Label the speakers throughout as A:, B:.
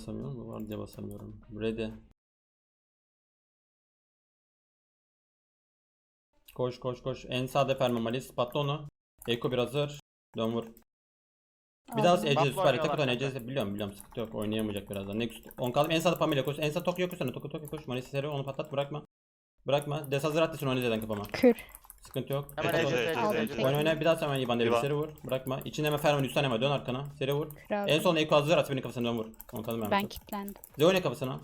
A: basamıyorum mu? Var diye basamıyorum. Ready. Koş koş koş. En sağda Fermamalis. Patla onu. Eko bir hazır. Dön vur. Bir daha
B: Aldım.
A: Ece
C: Buffalo
A: süper atak
C: oynuyorlar
A: atan Ece biliyorum sıkıntı yok, oynayamayacak birazdan. Next 10 kaldım, en sağda Pamela koş, en sağda Tokyo koş, Tokyo koş, Maris seri onu patlat, bırakma des hazır at, onu izleden kafama,
B: Kür.
A: sıkıntı yok.
C: Hemen
A: Eko
C: Ece,
A: koş.
C: Ece,
B: Aldım
C: Ece.
B: tek.
A: Oyna bir daha hemen İban devre
D: İvan.
A: seri vur, bırakma içinde hemen Ferman 3 tane var, dön arkana seri vur.
B: Kür aldım.
A: En son Eko hazır at, benim kafasına dön vur. 10 kaldım
B: Ben
A: ben.
B: kilitlendim.
A: Zeone kafasına.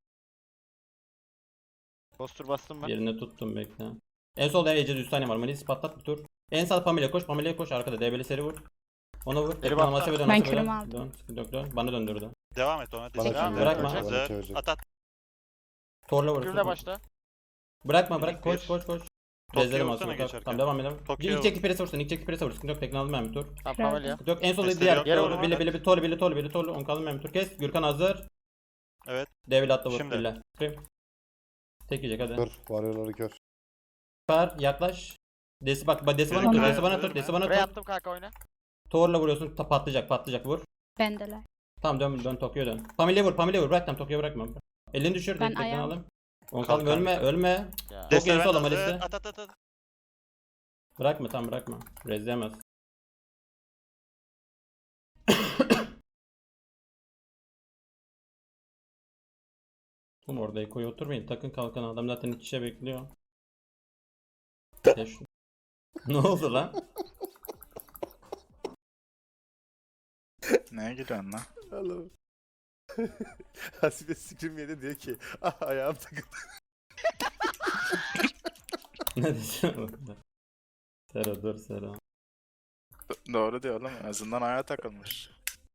C: Postur bastım ben.
A: Yerine tuttum, bekle. En solda Ece'de 3 tane var, Maris patlat bir tur. En sağda Pamela koş, Pamela'ya koş, arkada DB'li seri vur. Ona vur.
C: Biri
A: Ona
C: baktı.
A: dön,
B: Ben
A: dön.
B: kürümü aldım.
A: Dön, sıkıntı yok, dön. Bana döndürdü.
D: Devam et ona.
E: Bana
C: Devam
E: çevir.
A: bırakma.
E: Bana
D: Hazır.
E: çevir.
D: At at.
A: Torla vur.
C: Kürle başla.
A: Bırakma
D: Minik
A: koş
D: bir.
A: koş koş.
D: Tokyo'ya
A: Rezlerim
D: vursana
A: aslında.
D: geçerken.
A: Tamam devam edelim.
D: Tokyo'ya
A: İlk çekti presi vursun. İlk çekti presi vursun. Sıkıntı yok, tekne aldım ben bir tur.
C: Tamam
B: Kür
C: Pavelya.
A: Yok en solda
D: Destek
A: diğer.
D: yok.
C: Yere
A: Torlu
C: vurma.
A: bili on kaldım ben bir tur. Kes. Gürkan hazır.
D: Evet.
A: Devil atla vur.
D: Şimdi.
A: Bille. Tek yiyecek hadi.
E: Kör. Varyorları kör.
A: Süper yaklaş. Desi bak desi bana
D: Yürü,
A: tur.
D: yürü,
A: Desi bana
D: yürü.
A: tur. Desi bana
C: Buraya
A: tur.
C: attım kanka oyna.
A: Torla vuruyorsun. Patlayacak vur.
B: Bendeler.
A: Tamam dön Tokyo'ya dön. Pamela vur. Bırak tam Tokyo'ya bırakma. Elini düşür.
B: Ben
A: Tekten
B: ayağım-
A: aldım. On kaldım,
D: Kalk,
A: ölme.
C: Ya.
A: Çok
D: Destek
A: iyi
D: ben
A: sola
D: hazır.
A: Malis'te.
D: At.
A: Bırakma. Rezleyemez. Oğlum orada Eko'ya oturmayın. Takın kalkan, adam zaten iç içe bekliyor. Teş- Ne oldu lan?
F: Neye gülüyorsun lan?
E: Oğlum. Hasibe sikrim yedi diyor ki ayağım takıldı.
A: Ne diyeceğim? Sero dur Sero.
F: Doğru diyor oğlum. En azından ayağa takılmış.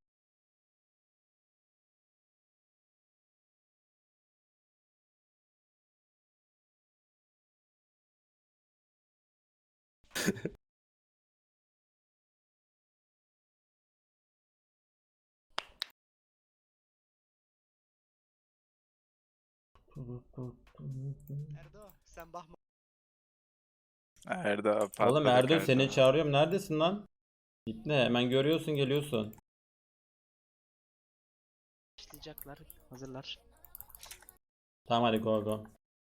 G: Erdo sen bakma.
F: Erdo patladı.
A: Oğlum Erdoğan seni çağırıyorum. Neredesin lan? Gitme hemen görüyorsun geliyorsun.
G: Başlayacaklar. Hazırlar.
A: Tamam hadi go.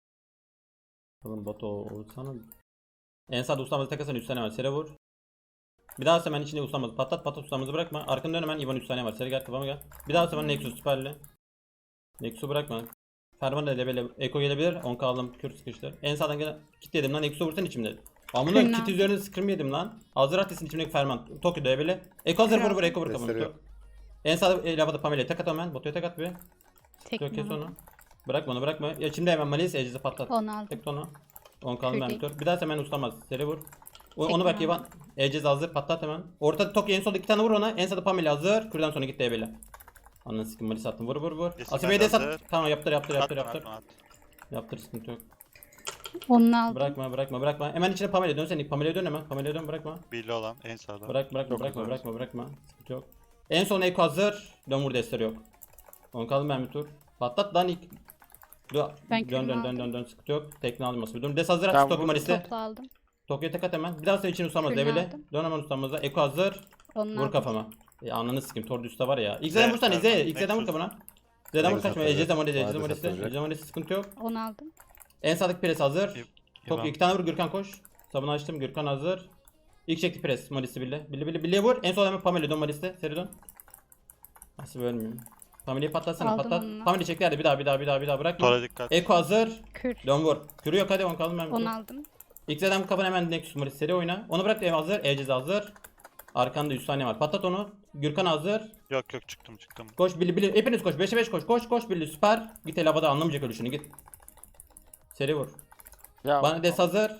A: Oğlum Batu olsana. En sağda ustamızı takasana 3 tane var. Sere vur. Bir daha hemen içinde ustamızı patlat ustamızı bırakma. Arkanı dön hemen İvan 3 tane var. Sere gel kafama gel. Bir daha hemen Nexus süperli. Nexus'u bırakma. Ferman da böyle Eko gelebilir. 10 kaldım kür sıkıştı. En sağdan gelen kit yedim lan, Nexus'u vursan içimde. Amına
B: Kürna.
A: kit üzerine scrim yedim lan. Hazır atlesin içimdeki Ferman. Tokyo'da böyle. Eko hazır vur Eko vur kafamı.
E: Gösteriyor.
A: En sağda lavada Pamela'ya tek at hemen. Batu'ya tek at bir. Yok kes
B: Tekne.
A: onu. Bırakma. Ya içimde hemen Malis Eciz'i patlat.
B: Onu aldım.
A: Tek onu. 10 kaldım ben
B: Kür
A: bir tur. Bir daha hemen ustamaz. Seri vur. Onu
B: Tekne
A: bak
B: aldım.
A: İvan. Eciz hazır patlat hemen. Ortada Tokyo en solda 2 tane vur ona. En sağda Pamela hazır. Kürden sonra git DB'le. Ananı sikim Malis attım. Vur.
D: Desin
A: Asibe'ye
D: ben
A: de
D: de
A: sat.
D: hazır.
A: Tamam yaptır.
D: Atma.
A: Yaptır sıkıntı yok.
B: Onu aldım.
A: Bırakma. Hemen içine Pamela dön sen. Pamela'ya dön hemen. Pamela'ya dön bırakma.
D: Billi olan en sağda.
A: Bırakma. Sıkıntı yok. En son Eko hazır. Dön vur desteri yok. 10 kaldım ben bir tur. Patlat lan ilk.
B: Ben kürümü
A: Dön sıkıntı yok. Tekne aldım masası. Dön des hazır
C: Tamam,
A: at Tokyo
C: vur.
A: Maris'te.
B: Toplu aldım.
A: Tokyo'ya tek at hemen. Bir daha sonra için ustamaz
B: Kürünü
A: devile.
B: aldım.
A: Dön hemen ustamıza. Eko hazır.
B: Onu
A: Vur
B: aldım.
A: kafama. Ananı sikim. Tor üstte var ya. İlk Z'den vursana.
D: Ferman,
A: İlk Z'den vur
D: Nexus.
A: kafana. Z'den vur
E: Nexus
A: kaçma.
E: atacak.
A: Ecez'den
E: Vadesi
A: Maris'te.
E: atacak.
A: Ecez'den Maris'te sıkıntı yok.
B: Onu aldım.
A: En sağdaki pres hazır. Tokyo
D: İvan.
A: 2 tane vur Gürkan koş. Sabunu açtım. Gürkan hazır. İlk çekti pres. Maris'i Bille vur. En son hemen Pamela dön Maris'te. Seri dön. Nasıl ölmüyorum. Pamela'yı patlatsana
B: Aldım
A: patlat.
B: onu.
A: Pamela çekti hadi bir daha bırakma.
D: Tora dikkat.
A: Eko hazır.
B: Kür.
A: Dön vur. Kürü yok hadi 10 kaldım ben. bir tur.
B: Onu aldım.
A: XZ'den bu kafana hemen Nexus Maris seri oyna. Onu bırak ev hazır. Ecez hazır. Arkanda 100 saniye var. Patlat onu. Gürkan hazır.
D: Yok çıktım.
A: Koş Billy. Hepiniz koş. 5'e 5 koş. Koş Billy süper. Git el havada anlamayacak ölüşünü git. Seri vur.
C: Ya.
A: Bana des hazır.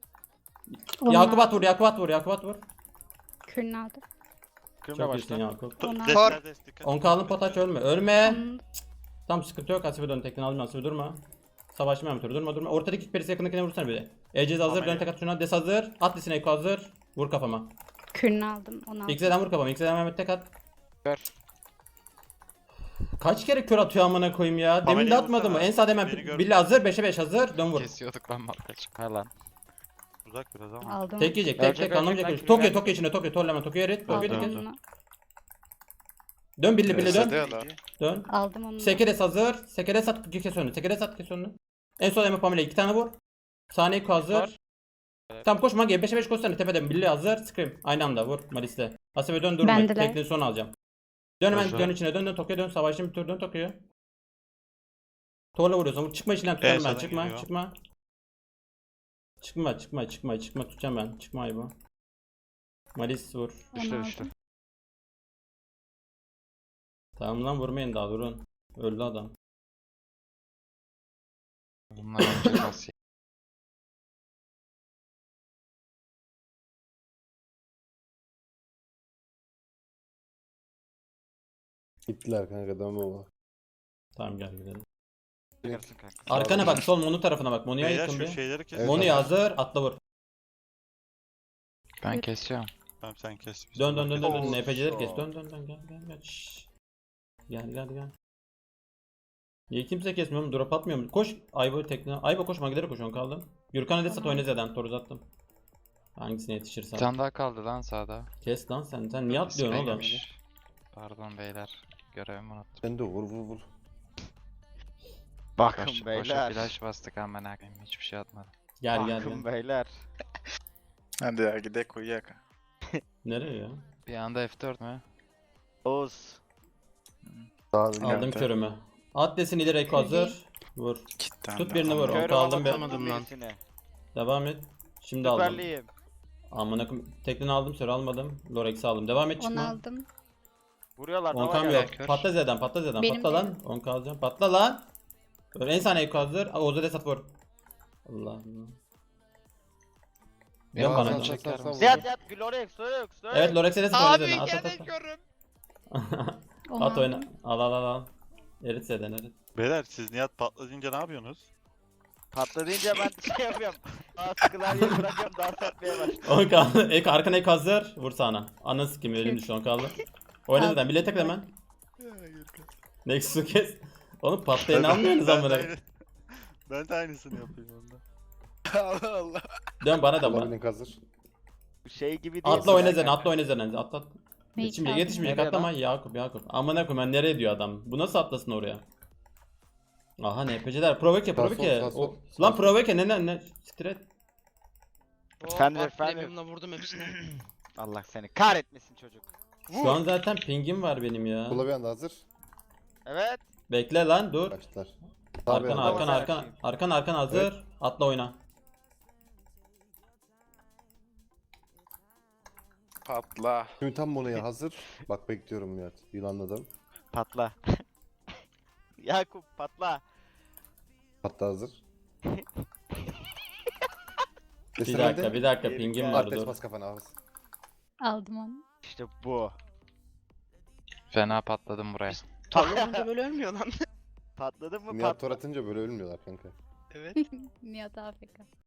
B: Onu
A: Yakup
B: aldım.
A: at vur.
B: Kürünü aldım.
C: Kürle
A: Çok iyisin
C: başla.
A: Yakup.
B: Onu aldım.
D: Desler dikkat.
A: 10 kalın potaç ölme.
B: Onu-
A: Tam sıkıntı yok. Asibe dön tekten aldım. Asibe durma. Savaşma Mehmet durma. Ortadaki ilk perisi yakındakine vursana bir de. Ecez hazır.
D: Tamam,
A: Dön tek at şuna. Des hazır. Atlisine Eko hazır. Vur kafama.
B: Kürünü aldım. Onu aldım.
A: XZ'den vur kafama. XZ'den Mehmet tek at.
C: Ver.
A: Kaç kere kör atıyor amına koyayım ya. Demin de
D: Pamela'yı
A: atmadı mı?
D: vursana.
A: En sağda hemen
D: Beni gör.
A: Billy hazır. 5'e 5 hazır. Dön vur.
F: Kesiyorduk lan markaç. Ha lan.
D: Uzak biraz ama.
B: Aldım.
A: Tek yiyecek.
C: Ölecek,
A: Tek anlamayacak.
C: ölecek,
A: Tokyo
C: ölecek.
A: içine. Tokyo torlama. Tokyo erit. Tokyo
B: Aldım
A: erit.
B: onu.
A: Dön birli birli
F: Hadi
A: dön.
F: ya lan.
A: Dön.
B: Aldım onu.
A: Sekeres hazır. Sekeres at kes önünü. Sekeres at kes önünü. En son Emre Pamela 2 tane vur. Saniye Eko hazır. Tamam koş Magi 5'e 5 koşsana tepeden birli hazır. Scream. Aynı anda vur Malis'te. Hasebe dön durma.
B: Bendeler.
A: Tekniği son alacağım. Dön hemen
D: Hazır.
A: dön içine dön Tokyo'ya dön. Savaşın bir tur dön Tokyo'ya. Torla vuruyorsun. Çıkma içinden tutarım ben.
D: sağdan
A: Çıkma
D: geliyor.
A: çıkma. Çıkma tutacağım ben. Çıkma ayıba. Malis vur.
B: Onu
C: Düştü
B: aldım.
C: düştü.
A: Tamam lan vurmayın daha durun. Öldü adam.
H: Bunlar önce nasıl?
E: Gittiler kanka dönme baba.
A: Tamam gel gidelim.
C: Çıkarsın kanka.
A: Arkana bak sol Monu tarafına bak. Monu'ya
D: Beyler
A: yakın
D: şu
A: bir.
D: şeyleri kes.
E: Evet.
A: Monu'ya hazır atla vur.
H: Ben kesiyorum.
D: Tamam sen kes. Biz
A: Dön dön dön dön dön.
C: Oo,
A: NPC'leri kes.
C: şok.
A: Dön dön dön gel. Şşş. Gel. Niye kimse kesmiyor mu? Drop atmıyor mu? Koş. Ayba tekne. Ayba koş Magidere koş on kaldım. Gürkan Edesat
B: Tamam.
A: oyna Z'den. Tor uzattım. Hangisine
H: Bir
A: yetişirsen.
H: tane daha kaldı lan sağda.
A: Kes lan sen. Sen niye atlıyorsun oğlum?
H: İsmeymiş. Pardon beyler. Görevimi unuttum.
E: Sen de vur.
C: Bakın
H: Boşa
C: beyler.
H: flash bastık hemen akayım. Hiçbir şey atmadım.
A: Gel.
C: Bakın beyler.
F: Hadi ya gidelim uyuyak.
A: Nereye ya?
H: Bir anda F4 mü?
C: Oğuz.
E: Sağ
A: Aldım körümü. At desin ileri Eko hazır. Vur.
F: Cidden
A: Tut
F: de
A: birini vur.
F: adam.
A: Onu aldım be.
C: atamadım lan.
A: Devam et. Şimdi aldım.
C: Süperliyim.
A: Amına koyayım. Tekneni aldım sonra almadım. Lorex'i aldım. Devam et
B: Onu
A: çıkma.
B: aldım.
C: Vuruyorlar.
A: 10k
C: Nova
A: yok.
C: geldi.
A: Patla Z'den.
B: Benim
A: Patla
B: de.
A: lan. 10k alacağım. Patla lan. Böyle en saniye Eko hazır. Oğuz'a desat vur. Allah Allah. Dön
H: Ya,
A: bana.
H: sen
A: dön.
H: çeker misin?
C: Ziyad Glorex.
A: Evet Lorex'e desat oyna Z'den. At.
B: Onu
A: At oyna.
B: aldım.
A: Al. Erit Z'den erit.
D: Beyler siz Nihat patlayınca ne yapıyorsunuz?
C: Patladınca ben şey yapıyorum. Klavyeyi bırakıyorum dans etmeye başlıyorum.
A: 10k. Eko arkana Eko hazır. Vur sana. Anası kim elim düştü 10 kaldı. Oyna
B: Aldım.
A: Z'den. Bile tekle hemen. Nexus'u kes. Oğlum patlayan almıyorsunuz amına.
D: Ben de aynısını yapayım onda.
F: Allah Allah.
A: Dön bana da bana.
E: Olabildik hazır.
C: Şey gibi değil.
A: Atla oyna
C: mi?
A: Z'den. Atla oyna Z'den. At.
B: Neyi
A: Şimdi
B: çaldım?
A: yetişmeyecek
C: Nereye
A: atlama Yakup. Amına koyayım ben nereye diyor adam. Bu nasıl atlasın oraya? Aha NPC'ler Provoke.
E: Sağ sol, sağ
A: Lan
E: sol.
A: Provoke ne Stret.
C: Efendim.
G: vurdum hepsine.
C: Allah seni kahretmesin çocuk.
A: Şu an zaten pingim var benim ya.
E: Kula bir anda hazır.
C: Evet.
A: Bekle lan dur.
E: Kaçtılar. Sağ bir
A: Arkan
E: anda.
A: arkan hazır. Atla oyna.
F: Patla.
E: Şimdi tam Mono'ya hazır. Bak bekliyorum Nihat. Yılanladım.
C: Patla. Yakup patla.
E: Hatta hazır.
A: Bir dakika pingim var
E: Artes
A: dur.
E: bas kafana ağız.
B: Aldım onu.
C: İşte bu.
H: Fena patladım buraya.
G: Torla böyle ölmüyor lan.
C: Patladın mı
E: Nihat
C: patla.
E: tor atınca böyle ölmüyorlar kanka.
G: Evet.
B: Nihat AFK.